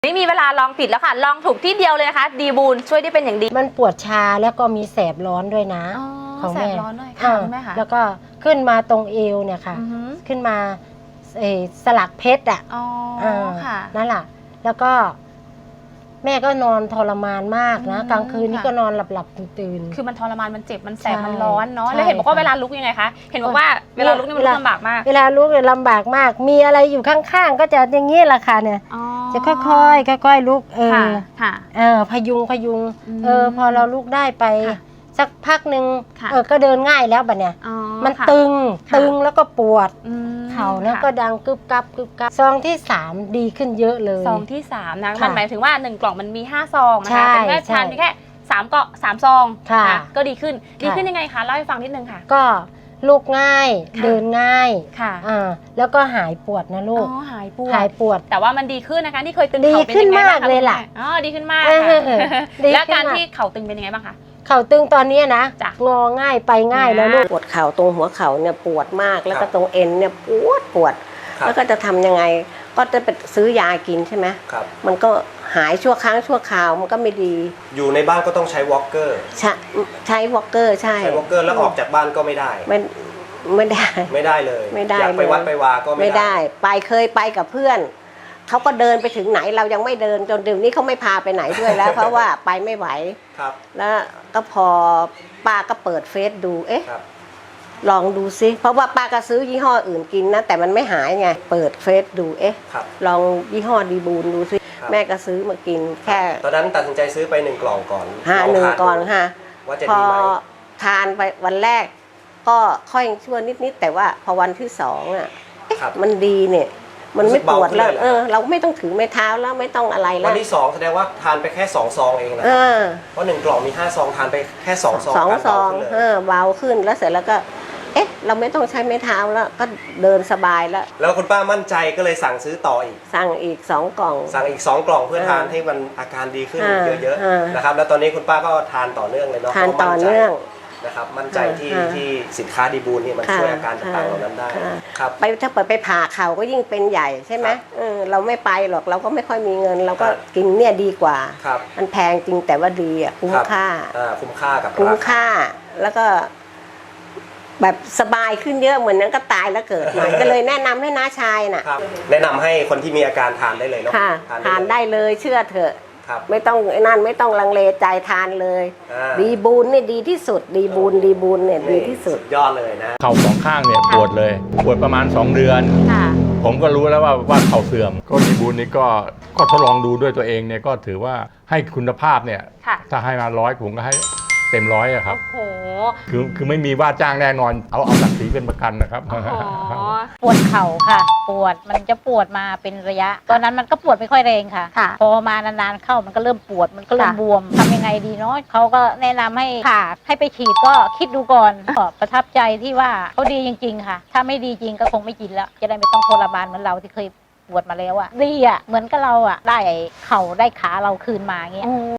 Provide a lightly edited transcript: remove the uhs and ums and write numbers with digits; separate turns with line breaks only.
ไม่มีเวลาลองผิดแล้วค่ะลองถูกที่เดียวเลยนะคะดีบูนช่วยได้เป็นอย่างดี
มันปวดชาแล้วก็มีแสบร้อนด้วยนะ
ของแสบร้อนด้วยค่ะแม่ค่ะ
แล้วก็ขึ้นมาตรงเอวเนี่ยค่ะขึ้นมาสลักเพชรอ่ะ
ค่ะ
นั่นแหละแล้วก็แม่ก็นอนทรมานมากนะกลางคืนนี่ก็นอนหลับตื่น
คือมันทรมานมันเจ็บมันแสบมันร้อนเนาะแล้วเห็นบอกว่าเวลาลุกยังไงคะเห็นบอกว่าเวลาลุกนี่มันลำบากมาก
เวลาลุกเนี่ยลำบากมากมีอะไรอยู่ข้างๆก็จะอย่างนี้แหละค่ะเนี่ยจะค่อยๆลุกพยุงพอเราลุกได้ไปสักพักหนึ่งก็เดินง่ายแล้วบัดเนี่ยมันตึงแล้วก็ปวดเข่าแล้วก็ดังกึบกับซองที่3ดีขึ้นเยอะเลย
ซองที่3นะมันหมายถึงว่า1กล่องมันมี5ซองนะคะแต่แม่ทานแค่3ซองก็ดีขึ้นยังไงคะเล่าให้ฟังนิดนึงค่ะ
ก็ลุกง่ายเดินง่าย
ค่ะ
แล้วก็หายปวดนะลูก
หายปวดแต่ว่ามันดีขึ้นนะคะที่เคยตึง
เข่าเป็นยังไงบ้างคะดีขึ้นมากเลยล่ะ
ดีขึ้นมากแล้วการที่เข่าตึงเป็นยังไงบ้างคะ
เข่าตึงตอนนี้นะงอง่ายไปง่ายแล้วลูกปวดเข่าตรงหัวเข่าเนี่ยปวดมากแล้วก็ตรงเอ็นเนี่ยปวดแล้วก็จะทำยังไงก็จะไปซื้อยากินใช่ไหมมันก็หายชั่วครั้งชั่วคราวมันก็ไม่ดี
อยู่ในบ้านก็ต้องใช้วอล์กเกอร์
ใช้วอล์กเกอร์ใช่
วอล์กเกอร์แล้วออกจากบ้านก็ไม่ได้
ไม่ได้
เลยอยากไปวัดไปวาก็
ไม่ได้เคยไปกับเพื่อนเขาก็เดินไปถึงไหนเรายังไม่เดินจนเดี๋ยวนี้เขาไม่พาไปไหนด้วยแล้ว เพราะว่าไปไม่ไหวแล้วก็พอป้าก็เปิดเฟซดูลองดูซิเพราะว่าป้าก็ซื้อยี่ห้ออื่นกินนะแต่มันไม่หายไงเปิดเฟซดูลองยี่ห้อดีบูนดูซิแม่ก็ซื้อมากินแค่
ตอนนั้นตัดสินใจซื้อไป1 กล่องก่อน
1 กล่องค่ะ
ว่าจะดีไหม
ทานไปวันแรกก็ค่อยชั่วนิดแต่ว่าพอวันที่2อ่ะมันดีเนี่ยมันไม่ปวดแล้วเราไม่ต้องถือไม้เท้าแล้วไม่ต้องอะไรแล้ว
วันที่2แสดงว่าทานไปแค่2 ซองเองนะเพราะ1 กล่องมี5 ซองทานไปแค่2 ซอง
2 ซองเบาขึ้นแล้วเสร็จแล้วก็เราไม่ต้องใช้ไม้เท้าแล้วก็เดินสบายแล้ว
คุณป้ามั่นใจก็เลยสั่งซื้อต่ออีก
สั่งอีก2 กล่อง
สั่งอีก2 กล่องเพื่อทานให้มันอาการดีขึ้นเยอะๆนะครับแล้วตอนนี้คุณป้าก็ทานต่อเนื่องเลยเนาะ
ทานต่อเนื่อง
นะครับมั่นใจที่สินค้าดีบูนนี่มันช่วยอาการต่างๆเหล่านั้นได้ครับ
ถ้าเปิดไปผ่าเข่าก็ยิ่งเป็นใหญ่ใช่ไหมเราไม่ไปหรอกเราก็ไม่ค่อยมีเงินเราก็กินเนี่ยดีกว่ามันแพงจริงแต่ว่าดีอ่ะคุ้มค่า
กับ
คุ้มค่าแล้วก็แบบสบายขึ้นเยอะเหมือนนั้นก็ตายแล้วเกิดใหม่ก็เลยแนะนำให้น้าชายน่ะ
แนะนำให้คนที่มีอาการทานได้เลยเนาะ
ทานได้เลยเชื่อเถอะไม่ต้องนั่นไม่ต้องลังเลใจทานเลยดีบูนเนี่ยดีที่สุดดีบูนเนี่ยดีที่สุด
ยอดเลยนะ
เข่า2 ข้างเนี่ยปวดเลยปวดประมาณ2 เดือนผมก็รู้แล้วว่าเข่าเสื่อมก็ดีบูนนี่ก็ทดลองดูด้วยตัวเองเนี่ยก็ถือว่าให้คุณภาพเนี่ยถ้าให้มา100ผมก็ให้เต็ม100อะครับ
โอ้โห
คือไม่มีว่าจ้างแน่นอนเอาศักดิ์ศรีเป็นประกันนะครับ
ปวดเข่าค่ะปวดมันจะปวดมาเป็นระยะตอนนั้นมันก็ปวดไม่ค่อยแรงค่ะพอมานานๆเข้ามันก็เริ่มปวดมันก็เริ่มบวมทำยังไงดีเนาะเขาก็แนะนำให้ผ่าให้ไปฉีดก็คิดดูก่อนก็ประทับใจที่ว่าเขาดีจริงๆค่ะถ้าไม่ดีจริงก็คงไม่กินแล้วจะได้ไม่ต้องทรมานเหมือนเราที่เคยปวดมาแล้วอะดีอะเหมือนกับเราอะได้เข่าได้ขาเราคืนมาเงี้ย